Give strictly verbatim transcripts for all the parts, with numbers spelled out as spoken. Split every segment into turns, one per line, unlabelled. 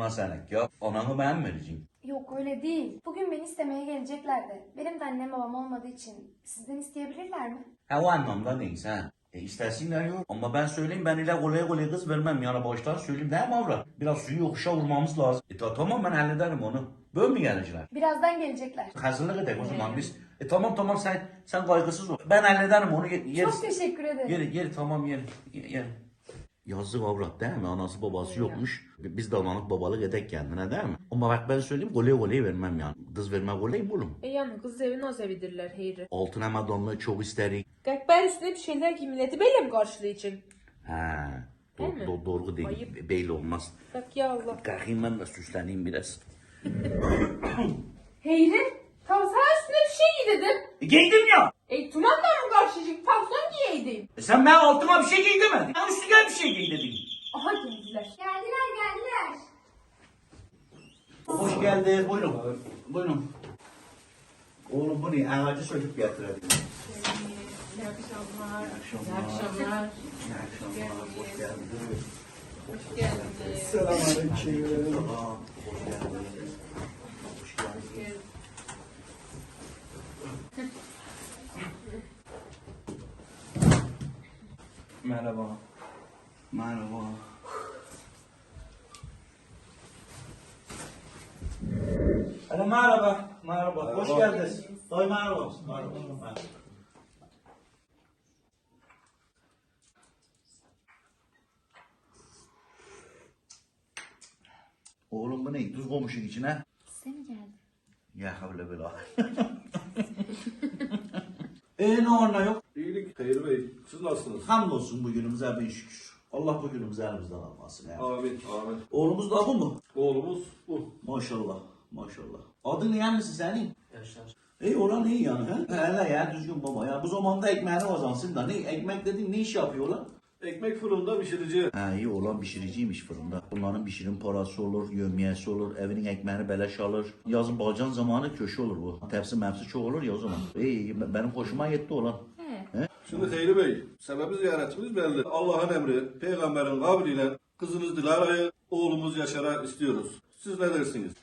buna senek ya. Anamı ben vereceğim.
Yok öyle değil. Bugün beni istemeye geleceklerdi. Benim de annem babam olmadığı için sizden isteyebilirler mi?
Ha o anlamda neyse ha. E istersinler yok. Ama ben söyleyeyim ben ile kolay kolay kız vermem yani baştan söyleyeyim değil mi avrat? Biraz suyu yokuşa vurmamız lazım. E ta, tamam ben hallederim onu. Böyle mi gelecekler?
Birazdan gelecekler.
Hazırlık edelim o zaman biz. E tamam tamam sen sen kaygısız ol. Ben hallederim onu yeriz.
Çok teşekkür ederim.
Yeri yeri tamam yeri. Yeri. Yazık avrat değil mi? Anası babası yokmuş. Biz de analık babalık edek kendine değil mi? Ama bak ben söyleyeyim kolay kolay vermem yani. Kız verme kolay mı oğlum?
E yani kız evi naz evidirler Heyri.
Altına madonlu çok isterik.
Gakber üstüne bir şeyler ki milleti böyle mi karşılayacak?
Ha, do,
Değil mi?
do, doğru değil.
Ayıp.
Belli olmaz.
Bak ya Allah.
Kalkayım ben de süsleneyim biraz.
Heyri, tam sana üstüne bir şey giy dedim.
E, giydim ya.
E tumanla mı karşılayacak? Pantolon giyeydin.
E, sen ben altıma bir şey giy demedin. Ben üstüne bir şey giy dedim.
Aha geldiler.
Geldiler geldiler.
Hoş geldiniz. Buyurun. Buyurun. Oğlum bu ne? Ağacı çocuk getirelim.
İyi akşamlar.
İyi akşamlar.
İyi akşamlar.
İyi akşamlar. Hoş geldiniz.
Hoş geldiniz.
Selamünaleyküm.
Tamam. Hoş geldiniz. Hoş geldiniz.
Merhaba.
Merhaba.
Alo merhaba. Merhaba. Hoş
Merhaba.
geldiniz.
Ay merhaba. Merhaba. Merhaba. Oğlum bu ne? Tuz koymuşsun içine.
Size mi geldi?
Ya havle bela.
Eee ne var ne yok? İyilik Hayır Bey. Siz nasılsınız?
Hamdolsun bugünümüze bin şükür. Allah bugünümüzü elimizden almasın. Ya.
Amin. Amin.
Oğlumuz da bu mu?
Oğlumuz bu.
Maşallah. Maşallah. Adın ne misin senin?
Yaşar.
İyi olan iyi yani. He? Hele ya düzgün baba ya. Bu zamanda ekmeğini kazansın da ne ekmek dediğin ne iş yapıyorlar?
Ekmek fırında pişirici.
Ha iyi olan pişiriciymiş fırında. Bunların pişirin parası olur, yövmiyesi olur, evinin ekmeğini beleş alır. Yazın balcan zamanı köşe olur bu. Tepsi mepsi çok olur ya o zaman. İyi benim hoşuma yetti olan.
Şimdi Hayri Bey, sebebi ziyaretimiz belli. Allah'ın emri, peygamberin kavliyle kızınız Dilara'yı oğlumuz Yaşar'a istiyoruz. Siz ne dersiniz?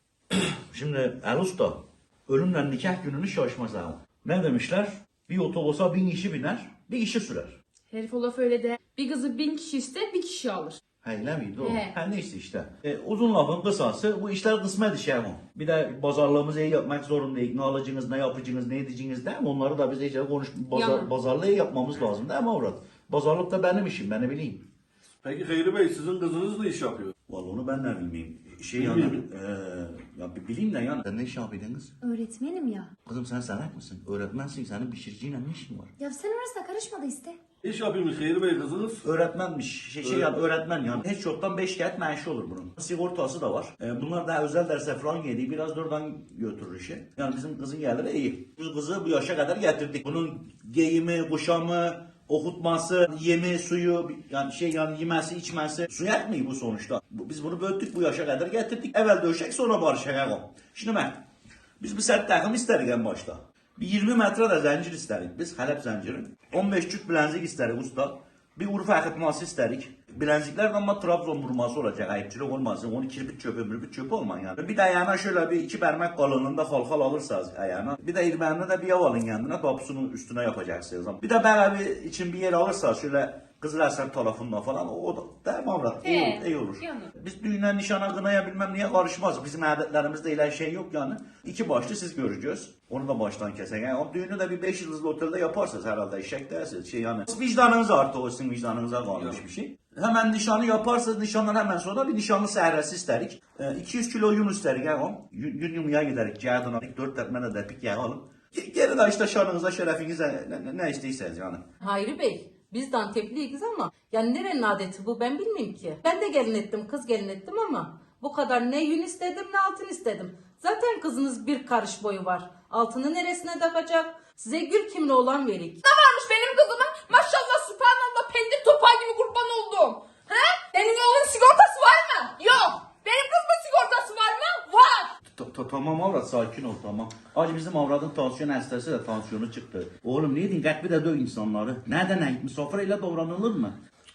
Şimdi El Usta, ölümle nikah gününü şaşmaz ama. Ne demişler? Bir otobüse bin kişi biner, bir kişi sürer.
Herif o laf öyle de. Bir kızı bin kişi iste bir kişi alır.
Öyle miydi o?
He.
Ha neyse işte. E, uzun lafın kısası bu işler kısmet işi ama. Bir de pazarlığımızı iyi yapmak zorundayız. Ne alıcınız, ne yapıcınız, ne edeceğiniz değil mi? Onları da biz iyice konuş, pazar,
Yalan.
pazarlığı yapmamız lazım değil mi avrat? Pazarlık da benim işim, ben ne bileyim.
Peki Hayri Bey, sizin kızınız ne iş yapıyor?
Vallahi onu ben ne bilmeyeyim. Şey yani,
Bilmiyorum.
eee ya bir bileyim de yani. Sen ne iş yapıyordunuz?
Öğretmenim ya.
Kızım sen salak mısın? Öğretmensin, senin pişiriciyle ne işin var?
Ya sen orasına karışma da iste.
İş yapıyormuş Hayri Bey kızınız.
Öğretmenmiş. Şey, şey yani öğretmen yani. Hiç yoktan beş kağıt maaşı olur bunun. Sigortası da var. Ee, bunlar daha özel derse falan geliyor. Biraz da oradan götürür işi. Yani bizim kızın geliri iyi. Biz kızı bu yaşa kadar getirdik. Bunun giyimi, kuşamı, okutması, yemi, suyu, yani şey yani yemesi, içmesi. Su yetmiyor bu sonuçta. Bu- Biz bunu böldük bu yaşa kadar getirdik. Evvel döşek sonra barışak o. Şimdi ben, biz bir set takım istedik en başta. Bir yirmi metre de zincir istedik biz, Halep zinciri. on beş çüt bilezik istedik usta. Bir Urfa akıtması istedik. Bilezikler ama Trabzon vurması olacak, ayıpçılık olmasın. Onu kirpik çöpü, mürpük çöpü olman yani. Bir de ayağına şöyle bir iki parmak kalınlığında halkal alırsanız ayağına. Bir de irmenine de bir yav alın kendine, tapusunun üstüne yapacaksınız. Bir de beraber için bir yer alırsanız şöyle Kızılarsam tarafından falan o da tamam rahat iyi,
He,
olur, iyi olur.
yani.
Biz düğüne, nişana, kınaya bilmem niye karışmaz. Bizim adetlerimizde öyle şey yok yani. İki başlı siz göreceğiz. Onu da baştan kesen. Yani o düğünü de bir beş yıldızlı otelde yaparsanız herhalde eşek dersiniz. Şey yani vicdanınız artık o sizin vicdanınıza kalmış bir şey. Hemen nişanı yaparsanız nişandan hemen sonra bir nişanlı sehresi isterik. E, iki yüz kilo yun isterik yani. Yün, yün yumuya giderik. Cihadına dört tepmene de pik yağı alın. Geri de işte şanınıza, şerefinize ne, ne, ne isteyseniz yani.
Hayri Bey, biz de Antepliyiz ama yani nerenin adeti bu ben bilmiyorum ki. Ben de gelin ettim, kız gelin ettim ama bu kadar ne yün istedim ne altın istedim. Zaten kızınız bir karış boyu var. Altını neresine takacak? Size gül kimli olan verik.
Ne varmış benim kızımın? Maşallah subhanallah pendir topağı gibi kurban oldum. He? Senin oğlun sigortası var mı? Yok. Benim kızımın sigortası var mı? Var.
Ta- ta- Tamam avrat sakin ol tamam. Acı bizim avradın tansiyon hastası da tansiyonu çıktı. Oğlum ne diyeyim kalk bir de döv insanları. Nereden ait misafirle davranılır mı?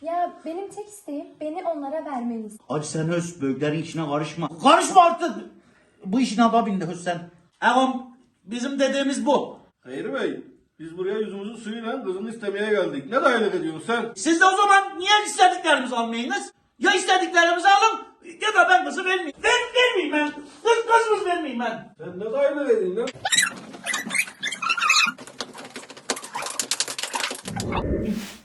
Ya benim tek isteğim beni onlara vermeniz.
Hacı sen höz büyüklerin işine karışma. Karışma artık. Bu işin adı bindi höz sen. Ağam bizim dediğimiz bu.
Hayri Bey, biz buraya yüzümüzün suyuyla kızını istemeye geldik. Ne dayılık ediyorsun sen?
Siz de o zaman niye istediklerimizi almayınız? Ya istediklerimizi alın ya da ben kızı vermeyeyim. Ver, vermeyeyim ben. Kız, kızımız vermeyeyim ben.
Sen ne dayılık ediyorsun lan?